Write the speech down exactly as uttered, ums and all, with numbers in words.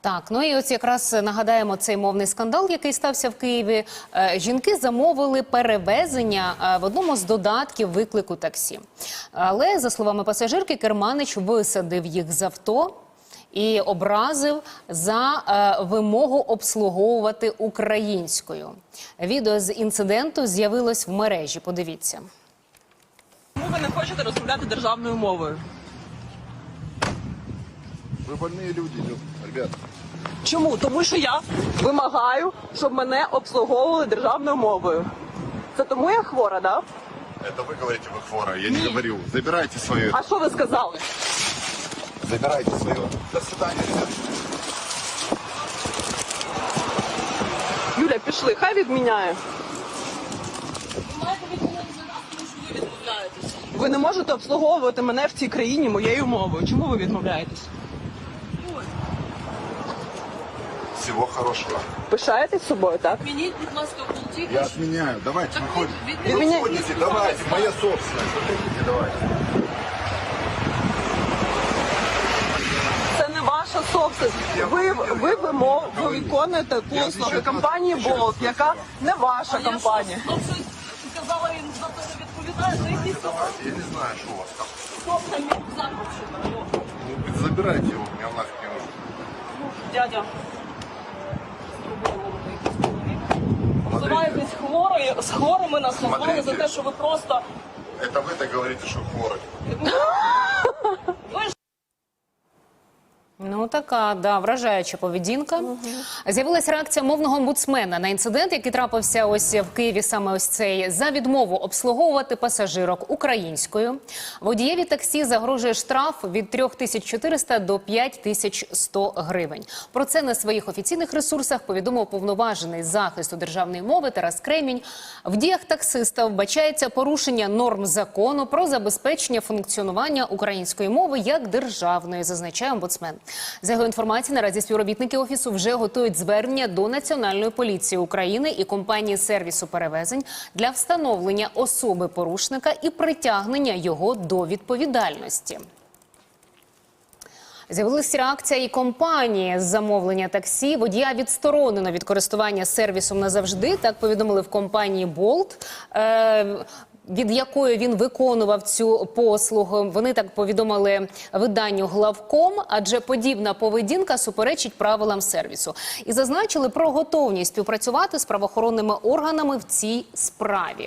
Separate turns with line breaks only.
Так, ну і ось якраз нагадаємо цей мовний скандал, який стався в Києві. Жінки замовили перевезення в одному з додатків виклику таксі. Але, за словами пасажирки, керманич висадив їх з авто і образив за е, вимогу обслуговувати українською. Відео з інциденту з'явилось в мережі. Подивіться.
Чому ви не хочете розмовляти державною мовою?
Ви больні люди, ребят.
Чому? Тому що я вимагаю, щоб мене обслуговували державною мовою. Це тому я хвора, так? Да?
Это вы говорите, вы хвора. Я не говорю. Забирайте свое.
А що ви сказали?
Забирайте свое. До свидания, ребят.
Юля, пішли, хай відміняє. Ви не можете обслуговувати мене в цій країні моєю мовою. Чому ви відмовляєтесь?
Всего хорошего.
Пишаєтесь собою, так?
Відмініть, будь ласка, пункти.
Я отменяю. Давайте,
Так
выходите.
від-
Вы
відміняйте.
выходите, давайте. Моя собственность. Выходите, давайте.
Це не ваша собственность. Ви, ви, вимов, ви виконуєте послуги компанії Болт, яка не ваша компанія.
Ну, щось сказала, він за це не відповідає. За якісь
Давайте. Я не знаю, что у вас там.
собственно мій запрошено.
Ну, забирайте его. Меня нафиг не нужно.
Дядя. Називаєтесь хворою, з хворими нас назвали
Смотрите.
за те, що ви просто...
Это вы так говорите, что хворы.
Ви ж
Ну, така, да, вражаюча поведінка. Угу. З'явилася реакція мовного омбудсмена на інцидент, який трапився ось в Києві, саме ось цей, за відмову обслуговувати пасажирок українською. Водієві таксі загрожує штраф від три тисячі чотириста до п'ять тисяч сто гривень. Про це на своїх офіційних ресурсах повідомив уповноважений з захисту державної мови Тарас Кремінь. В діях таксиста вбачається порушення норм закону про забезпечення функціонування української мови як державної, зазначає омбудсмен. За його інформацією, наразі співробітники Офісу вже готують звернення до Національної поліції України і компанії сервісу перевезень для встановлення особи порушника і притягнення його до відповідальності. З'явилася реакція і компанії з замовлення таксі. Водія відсторонено від користування сервісом назавжди, так повідомили в компанії Болт. Е від якої він виконував цю послугу. Вони так повідомили виданню Главком, адже подібна поведінка суперечить правилам сервісу. І зазначили про готовність співпрацювати з правоохоронними органами в цій справі.